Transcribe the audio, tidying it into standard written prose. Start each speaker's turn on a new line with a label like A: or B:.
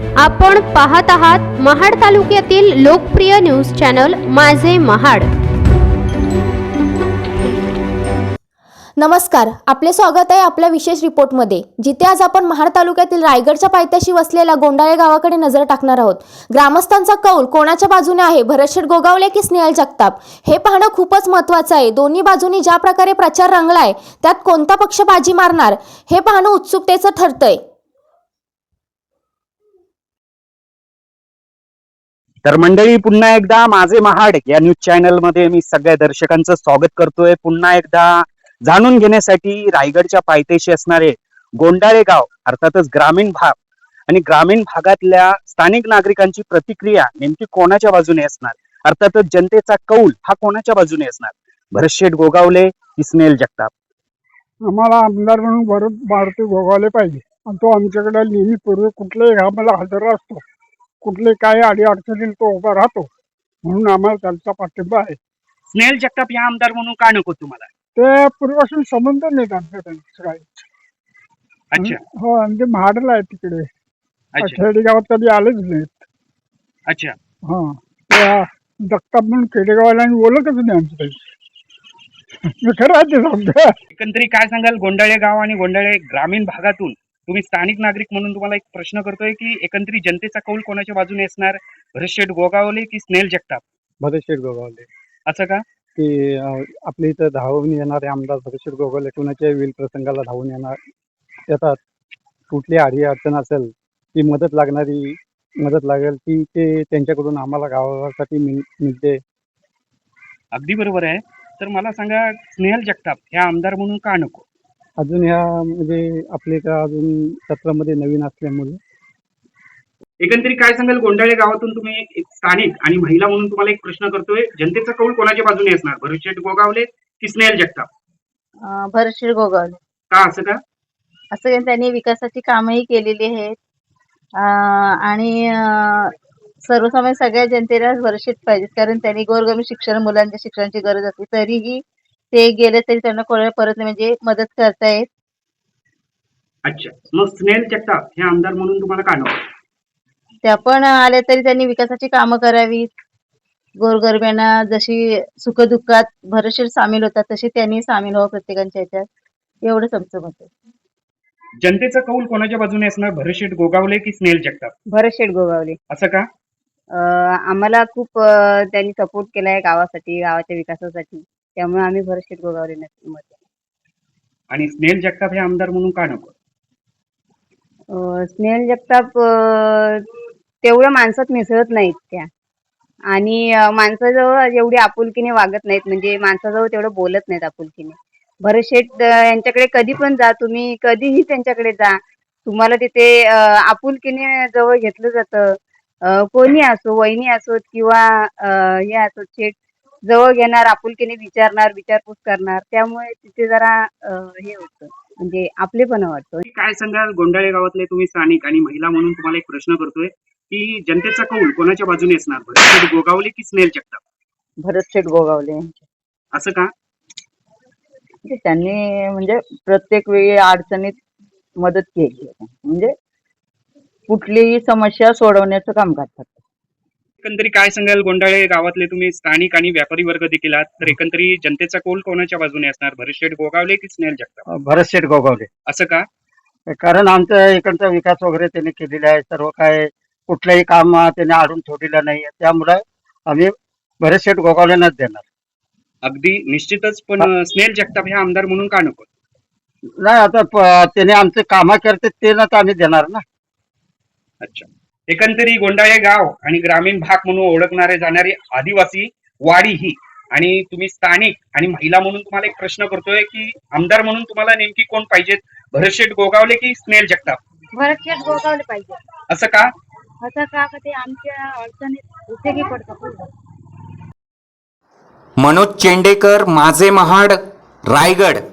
A: आपण पाहत आहात महाड तालुक्यातील लोकप्रिय न्यूज चॅनल माझे महाड।
B: नमस्कार, आपले स्वागत आहे आपल्या विशेष रिपोर्टमध्ये, जिथे आज आपण महाड तालुक्यातील रायगडच्या पायथ्याशी वसलेल्या गोंडाळे गावाकडे नजर टाकणार आहोत। ग्रामस्थांचा कौल कोणाच्या बाजूने आहे, भरतशेठ गोगावले की स्नेहल जगताप, हे पाहणं खूपच महत्त्वाचं आहे। दोन्ही बाजूंनी ज्या प्रकारे प्रचार रंगलाय, त्यात कोणता पक्ष बाजी मारणार हे पाहणं उत्सुकतेचं ठरतंय।
C: तर मंडळी, पुन्हा एकदा माझे महाड या न्यूज चॅनल मध्ये मी सगळ्या दर्शकांचं स्वागत करतोय। पुन्हा एकदा जाणून घेण्यासाठी रायगडच्या पायथ्याशी असणारे गोंडाळे गाव, अर्थातच ग्रामीण भाग आणि ग्रामीण भागातल्या स्थानिक नागरिकांची प्रतिक्रिया नेमकी कोणाच्या बाजूने असणार, अर्थातच जनतेचा कौल हा कोणाच्या बाजूने असणार, भरतशेठ गोगावले की स्नेहल जगताप।
D: आम्हाला आमदार म्हणून भारती गोगावले पाहिजे आणि तो आमच्याकडे नेहमी पूर्वी कुठल्याही कामाला हजर असतो, कुठले काय अडी अडचणीला तो उभा राहतो, म्हणून आम्हाला त्यांचा पाठिंबा आहे।
C: स्नेहल जगताप या आमदार म्हणून का नको तुम्हाला?
D: ते पूर्वीपासून संबंध नाहीत आमच्या त्यांचं काही।
C: अच्छा,
D: हो, आणि ते महाडला आहे तिकडे,
C: अच्छा,
D: खेडेगावात कधी आलेच नाहीत।
C: अच्छा।
D: हा, त्या जगताप म्हणून खेडेगावाला बोलतच नाही आमच्या खरं आहे ते समजा।
C: एकंदरीत काय सांगाल, गोंडाळे गाव आणि गोंडाळे ग्रामीण भागातून तुम्ही स्थानिक नागरिक म्हणून तुम्हाला एक प्रश्न करतोय की एकंदरीत जनतेचा कौल कोणाच्या बाजूने असणार, भरतशेठ गोगावले की स्नेहल जगताप?
D: भरतशेठ गोगावले।
C: असं का?
D: की आपल्या इथं धावून येणारे आमदार भरतशेठ गोगावले कुणाच्याही विल प्रसंगाला धावून येतात। कुठली आडी अडचण असेल, ती मदत लागेल ती ते त्यांच्याकडून आम्हाला गावासाठी मिळते।
C: अगदी बरोबर आहे। तर मला सांगा, स्नेहल जगताप ह्या आमदार म्हणून का नको?
D: अजून ह्या म्हणजे आपले का अजून सत्रामध्ये नवीन असल्यामुळे।
C: एकंदरीत काय सांगाल, गोंडाळे गावातून तुम्ही एक स्थानिक आणि महिला म्हणून तुम्हाला एक प्रश्न करतोय, जनतेचा कौल कोणाच्या बाजूने असणार, भरतशेठ गोगावले की स्नेहल जगताप?
E: भरतशेठ गोगावले।
C: का असं का?
E: असं त्यांनी विकासाची कामही केलेली आहेत आणि सर्वसामान्य सगळ्या जनतेला भरतशेठ पाहिजेत, कारण त्यांनी गोरगरीब शिक्षण, मुलांच्या शिक्षणाची गरज असते तरीही ते गेले तरी त्यांना कोणाला परत म्हणजे मदत करतायत।
C: अच्छा, मग स्नेहल जगताप हे आमदार म्हणून तुम्हाला का नको?
E: त्या पण आल्या तरी त्यांनी विकासाची कामं करावीत, गोरगरिबांना जशी सुखदुःखात भरतशेठ सामील होतात तशी त्यांनी सामील व्हावं प्रत्येकाच्या ह्याच्यात, एवढंच आमचं मत आहे।
C: जनतेचा कौल कोणाच्या बाजूने असणार, भरतशेठ गोगावले की स्नेहल जगताप?
E: भरतशेठ गोगावले।
C: असं का?
E: आम्हाला खूप त्यांनी सपोर्ट केलाय गावासाठी, गावाच्या विकासासाठी, त्यामुळे आम्ही भरतशेठ गोगावले मत आहे।
C: आणि स्नेहल जगताप हे आमदार म्हणून का नको?
E: स्नेहल जगताप तेवढं माणसात मिसळत नाहीत त्या, आणि माणसाजवळ एवढी आपुलकीने वागत नाहीत, म्हणजे माणसाजवळ तेवढं बोलत नाहीत आपुलकीने। भरतशेठ यांच्याकडे कधी पण जा तुम्ही, कधीही त्यांच्याकडे जा, तुम्हाला तिथे आपुलकीने जवळ घेतलं जातं। कोणी असो, वहिनी असोत किंवा हे असोत, शेठ जवळ घेणार, आपुलकीने विचारणार, विचारपूस करणार, त्यामुळे तिथे जरा हे होतं, म्हणजे आपलेपणा वाटतो।
C: काय सांगाल, गोंडाळे गावातले तुम्ही स्थानिक आणि महिला म्हणून तुम्हाला एक प्रश्न करतोय की जनतेचा कौल कोणाच्या बाजूने असणार, भरतशेठ गोगावले की स्नेहल जगताप?
E: भरतशेठ गोगावले।
C: असं का?
E: त्यांनी म्हणजे प्रत्येक वेळी अडचणीत मदत केली, म्हणजे कुठलीही समस्या सोडवण्याचं काम करतात।
C: एकंदरीत काय सांगाल, गोंडाळे गावातले तुम्ही स्थानिक आणि व्यापारी वर्ग देखील आहात, तर एकंदरीत जनतेचा कौल कोणाच्या बाजूने असणार, भरतशेठ गोगावले की स्नेहल जगताप?
D: भरतशेठ गोगावले।
C: असं का?
D: कारण आमच्या इकडचा विकास वगैरे त्यांनी केलेला आहे, सर्व काय कुठलंही काम त्यांनी आडून सोडलेलं नाही, त्यामुळे आम्ही भरतशेठ गोगावलेंनाच देणार।
C: अगदी निश्चितच, पण स्नेहल जगताप हे आमदार म्हणून का नको?
D: नाही, आता त्याने आमचे कामं करते ते ना आम्ही देणार ना।
C: अच्छा, एकंदरीत गोंडाळे गाव आणि ग्रामीण भाग म्हणून ओळखणारे जाणारी आदिवासी वाडी ही, आणि तुम्ही स्थानिक आणि महिला म्हणून तुम्हाला एक प्रश्न करतोय की आमदार म्हणून तुम्हाला नेमकी कोण पाहिजेत, भरतशेठ गोगावले की स्नेहल जगताप?
E: भरतशेठ गोगावले पाहिजे।
C: असं का?
E: असं का ते आमच्या अडचणीत उपयोगी पडतात।
F: मनोज चेंडेकर, माझे महाड, रायगड।